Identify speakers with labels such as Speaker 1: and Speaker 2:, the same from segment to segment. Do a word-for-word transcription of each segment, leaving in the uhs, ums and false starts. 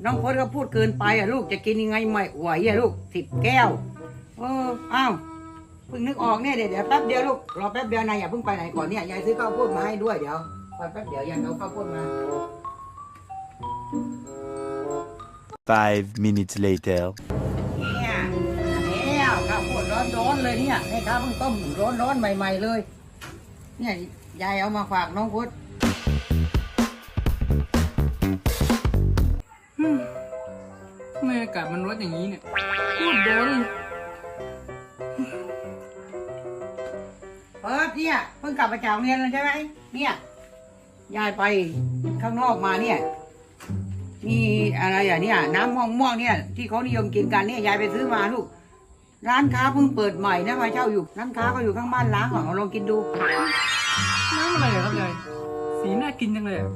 Speaker 1: น้องพจน์ก็พูดเกินไปอ่ะลูกจะกินยังไงไม่ไหวอ่ะลูกสิบแก้วเอออ้าวเพิ่งนึกออกเนี่ยเดี๋ยวเดี๋ยวแป๊บเดียวลูกรอแป๊บเดียวนายอย่าเพิ่งไปไหนก่อนเนี่ยยายซื้อข้าวโพดมาให้ด้วยเดี๋ยวคอยแป๊บเดียวยายเอาข้าวโพดมา
Speaker 2: Five minutes later.
Speaker 1: เนี่ยแล้วข้าวโพดร้อนๆเลยเนี่ยให้ข้าวเพิ่งต้มร้อนๆใหม่ๆเลยเนี่ยยายเอามาฝากน้องพจน์
Speaker 3: ทำไมอากาศมันร้อนอย่างนี้เนี่ยพูดร้อนเลย
Speaker 1: เออเนี่ยเพิ่งกลับมาจากโรงเรียนแล้วใช่ไหมเนี่ยยายไปข้างนอกมาเนี่ยมีอะไรอ่ะเนี่ยน้ำม่วงม่วงเนี่ยที่เขานิยมกินกันเนี่ยยายไปซื้อมาลูกร้านค้าเพิ่งเปิดใหม่นะมาเช่าอยู่ร้านค้าก็อยู่ข้างบ้านล้างอ่ะเอาลองกินดู
Speaker 3: น้ำอะไรอะครับยายสีน่ากินจังเลยอะ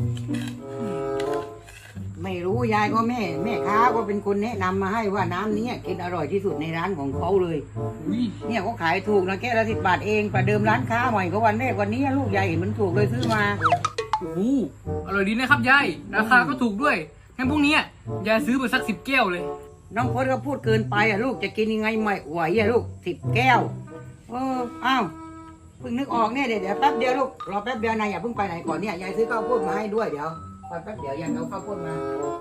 Speaker 1: ไม่รู้ยายก็แม่แม่ค้าก็เป็นคนแนะนำมาให้ว่าน้ำนี้กินอร่อยที่สุดในร้านของเขาเลย
Speaker 3: อุ้ย
Speaker 1: เนี่ยเขาขายถูกนะแก้วละสิบบาทเองประเดิมร้านค้าใหม่ก็วันแรกวันนี้ลูกยายเห็นมันถูกเลยซื้อมา
Speaker 3: โอ้โหอร่อยดีนะครับยายราคาก็ถูกด้วยงั้นพรุ่งนี้ยายซื้อไปสักสิบแก้วเลย
Speaker 1: น้องพจน์ก็พูดเกินไปอ่ะลูกจะกินยังไงไม่ไหวอ่ะลูกสิบแก้วเอออ้าวเพิ่งนึกออกเนี่ยเดี๋ยวเดี๋ยวแป๊บเดียวลูกรอแป๊บเดียวนายอย่าเพิ่งไปไหนก่อนเนี่ยยายซื้อข้าวโพดมาให้ด้วยเดี๋ยวคอยแป๊บเดียวยายเอาข้าวโพดมา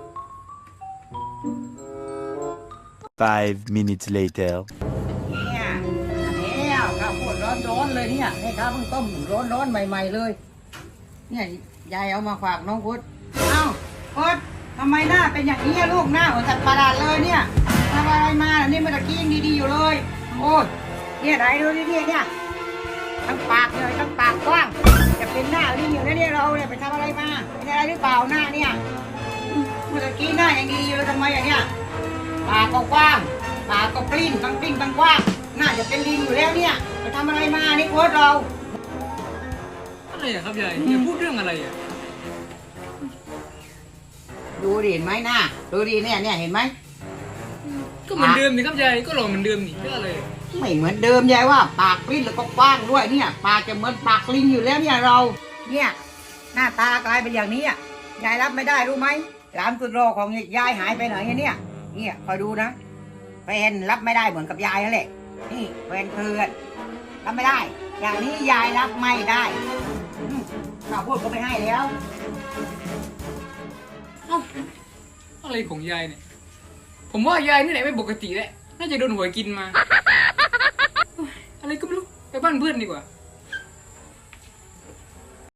Speaker 2: Five minutes later.
Speaker 1: เนี่ยแล้วข้าวโพดร้อนๆเลยเนี่ยให้ข้าวเพิ่งต้มร้อนๆใหม่ๆเลยเนี่ยยายเอามาฝากน้องพจน์เอ้าพจน์ทำไมหน้าเป็นอย่างนี้อะลูกหน้าเหมือนสัตว์ประหลาดเลยเนี่ยทำอะไรมาล่ะนี่เมื่อกี้ยังดีๆอยู่เลยโอ้ยเนี่ยไหนดูดิเนี่ยเนี่ยทั้งปากเลยทั้งปากกว้างจะเป็นหน้าลิงอยู่แล้วเนี่ยเราเนี่ยไปทำอะไรมาเป็นอะไรหรือเปล่าหน้าเนี่ยเมื่อกี้หน้ายังดีอยู่เลยทำไมอย่างเนี้ยปากก็กว้างปากก็ปลิ้นทั้งปลิ้นทั้งกว้างน่าจะเป็นลิงอยู่แล้วเนี่ยไปทำอะไรมานี่โค้ชเรา
Speaker 3: อะไรอะครับยายยายพูดเรื่องอะไรอะ
Speaker 1: ดูดิเห็นไหมหน้าดูดิเนี่ยเนี่ยเห็นไหม
Speaker 3: ก็เหมือนเดิมนี่ครับยายก็หล่อเหมือนเดิมนี่เรื่องอะไรอะ
Speaker 1: ไม่เหมือนเดิมยายว่าปากปลิ้นแล้วก็กว้างด้วยเนี่ยปากจะเหมือนปากลิงอยู่แล้วเนี่ยเรา เนี่ย หน้าตากลายเป็นอย่างนี้อ่ะยายรับไม่ได้รู้ไหมหลานสุดรอของยายหายไปไหนเนี่ยเนี่ยคอยดูนะแฟนรับไม่ได้เหมือนกับยายนั่นแหละนี่แฟนเพื่อนรับไม่ได้ อย่างนี้ยายรับไม่ได้อืมข้าวโพดก็ไม่ให้แล้ว
Speaker 3: เอ้าอะไรของยายเนี่ยผมว่ายายนี่แหละไม่ปกติแหละน่าจะโดนหวยกินมาเฮ้ยอะไรก็ไม่รู้ไปบ้านเพื่อนดีกว่า